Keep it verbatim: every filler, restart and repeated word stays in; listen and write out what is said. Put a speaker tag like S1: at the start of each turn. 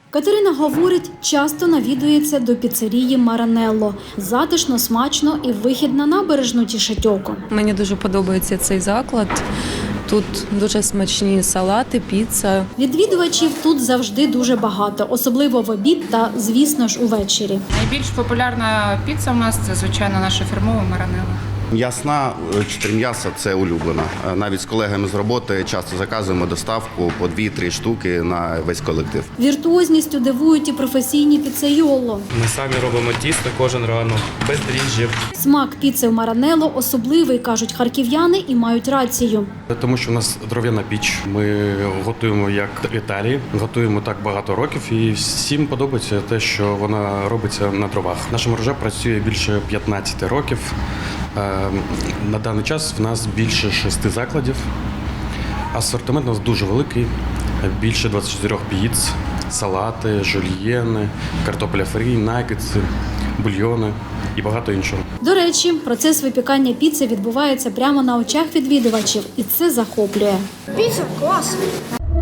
S1: Катерина говорить, часто навідується до піцерії «Маранелло». Затишно, смачно і вихід на набережну тішить око.
S2: Мені дуже подобається цей заклад. Тут дуже смачні салати, піца.
S1: Відвідувачів тут завжди дуже багато, особливо в обід та, звісно ж, увечері.
S3: Найбільш популярна піца у нас – це, звичайно, наша фірмова «Маранелло».
S4: М'ясна, чотири м'яса – це улюблена. Навіть з колегами з роботи часто заказуємо доставку по дві-три штуки на весь колектив.
S1: Віртуозністю дивують і професійні піцейоло.
S5: Ми самі робимо тісто кожен ранок, без дріжджів.
S1: Смак піци в «Маранелло» особливий, кажуть харків'яни, і мають рацію.
S5: Тому що у нас дров'яна піч, ми готуємо як в Італії, готуємо так багато років і всім подобається те, що вона робиться на дровах. Наша мережа працює більше п'ятнадцять років. На даний час в нас більше шести закладів. Асортимент у нас дуже великий, більше двадцять чотири піц, салати, жульєни, картопля фрі, нагетси, бульйони і багато іншого.
S1: До речі, процес випікання піци відбувається прямо на очах відвідувачів, і це захоплює.
S6: Піца класна.